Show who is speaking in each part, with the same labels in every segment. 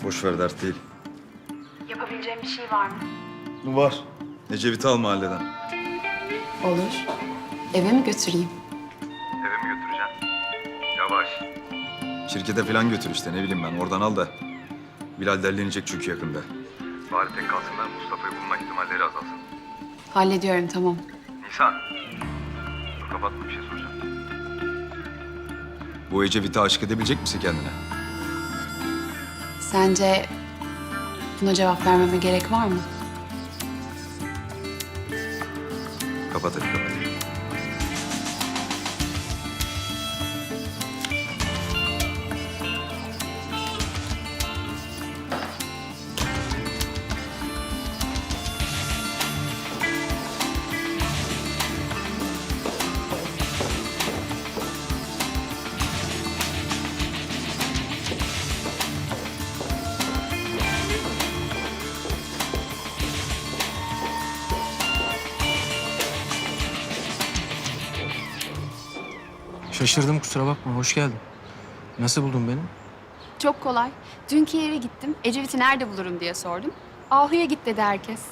Speaker 1: Boş ver, dert değil.
Speaker 2: Yapabileceğim bir şey var mı?
Speaker 1: Var. Ecevit'i al mahalleden.
Speaker 2: Olur. Eve mi götüreyim?
Speaker 1: Eve mi götüreceksin? Yavaş. Şirkete falan götür işte, ne bileyim ben. Oradan al da. Bilal derlenecek çünkü yakında. Bari tek kalsınlar, Mustafa'yı bulma ihtimalleri azalsın.
Speaker 2: Hallediyorum, tamam.
Speaker 1: Nisan. Dur, kapatma, bir şey soracağım. Bu Ecevit'e aşık edebilecek misin kendine?
Speaker 2: Sence buna cevap vermeme gerek var mı?
Speaker 1: Kapat hadi, kapat.
Speaker 3: Şaşırdım, kusura bakma. Hoş geldin. Nasıl buldun beni?
Speaker 2: Çok kolay. Dünkü yere gittim. Ecevit'i nerede bulurum diye sordum. Ahu'ya git dedi herkes.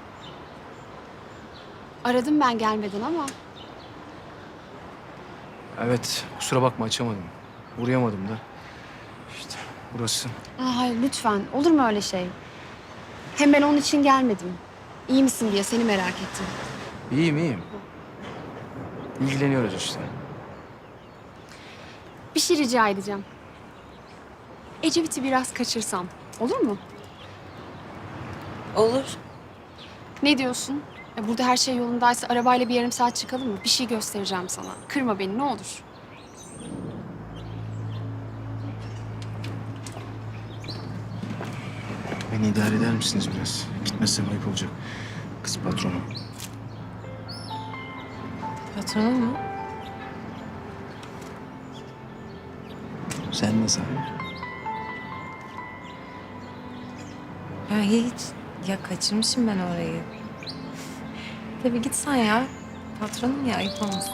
Speaker 2: Aradım ben gelmeden ama
Speaker 3: Evet, kusura bakma açamadım. Uğrayamadım da. İşte burası.
Speaker 2: hayır lütfen. Olur mu öyle şey? Hem ben onun için gelmedim. İyi misin diye seni merak ettim.
Speaker 3: İyiyim, iyiyim. İlgileniyoruz işte.
Speaker 2: Bir şey rica edeceğim. Ecevit'i biraz kaçırsam. Olur mu?
Speaker 4: Olur.
Speaker 2: Ne diyorsun? Burada her şey yolundaysa arabayla bir yarım saat çıkalım mı? Bir şey göstereceğim sana. Kırma beni ne olur.
Speaker 3: Beni idare eder misiniz biraz? Gitmezsem ayıp olacak. Kız patronu.
Speaker 4: Patronun mu?
Speaker 3: Sen nasıl?
Speaker 4: Ya hiç. Ya kaçırmışım ben orayı. Tabii git sen ya. Patronum ya, ayıp olmasın.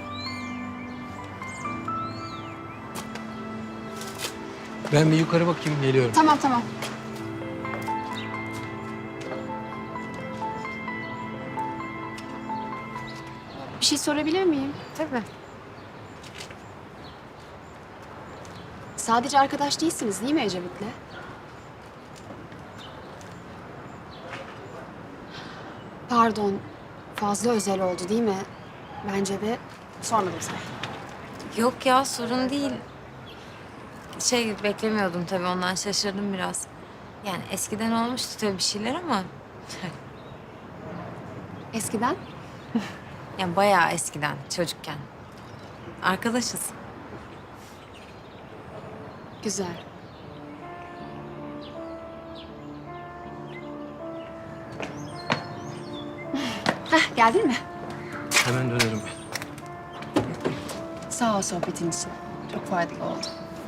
Speaker 3: Ben bir yukarı bakayım, geliyorum.
Speaker 2: Tamam tamam. Bir şey sorabilir miyim?
Speaker 4: Tabii.
Speaker 2: Sadece arkadaş değilsiniz değil mi Ecevit'le? Pardon, fazla özel oldu değil mi? Bence de sormadım sana.
Speaker 4: Yok ya, sorun değil. Beklemiyordum tabii, ondan şaşırdım biraz. Yani eskiden olmuştu tabii bir şeyler ama...
Speaker 2: Eskiden?
Speaker 4: Yani bayağı eskiden, çocukken. Arkadaşız.
Speaker 2: Güzel. Heh, geldin mi?
Speaker 3: Hemen dönerim.
Speaker 2: Sağ ol sohbetin için. Çok faydalı oldu.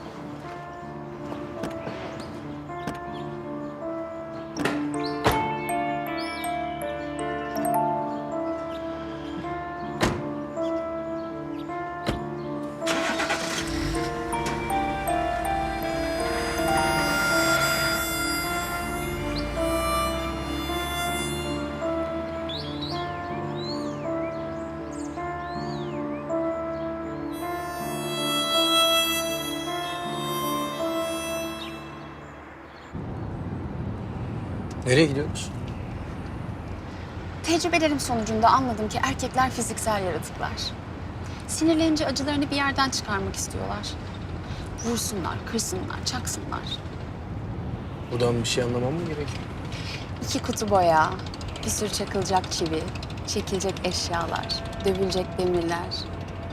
Speaker 3: Nereye gidiyoruz?
Speaker 2: Tecrübelerim sonucunda anladım ki erkekler fiziksel yaratıklar. Sinirlenince acılarını bir yerden çıkarmak istiyorlar. Vursunlar, kırsınlar, çaksınlar.
Speaker 3: Buradan bir şey anlamam mı gerekiyor?
Speaker 2: 2 kutu boya, bir sürü çakılacak çivi, çekilecek eşyalar, dövülecek demirler. Cık.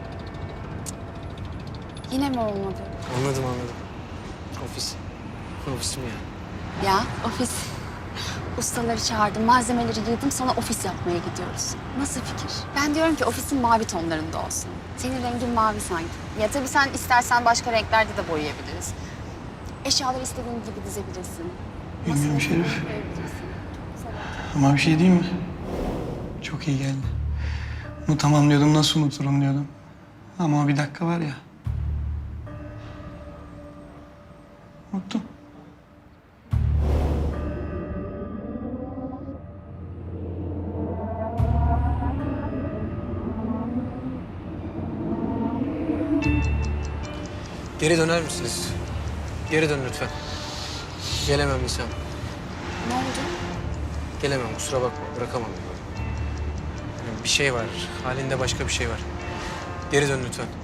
Speaker 2: Yine mi olmadı?
Speaker 3: Anladım, anladım. Ofis. Ofisim yani.
Speaker 2: Ya ofis. Ustaları çağırdım, malzemeleri yığdım, sonra ofis yapmaya gidiyoruz. Nasıl fikir? Ben diyorum ki ofisin mavi tonlarında olsun. Senin rengin mavi sanki. Ya tabii sen istersen başka renklerde de boyayabiliriz. Eşyaları istediğin gibi dizebilirsin.
Speaker 5: Bilmiyorum
Speaker 2: Masaları
Speaker 5: Şerif.
Speaker 2: koyabilirsin.
Speaker 5: Ama bir şey değil mi? Çok iyi geldi. Unutamam diyordum, nasıl unuturum diyordum. Ama bir dakika var ya. Unuttum.
Speaker 3: Geri döner misiniz? Geri dön lütfen. Gelemem Nisan.
Speaker 2: Ne oldu?
Speaker 3: Gelemem, kusura bakma. Bırakamam. Yani bir şey var. Halinde başka bir şey var. Geri dön lütfen.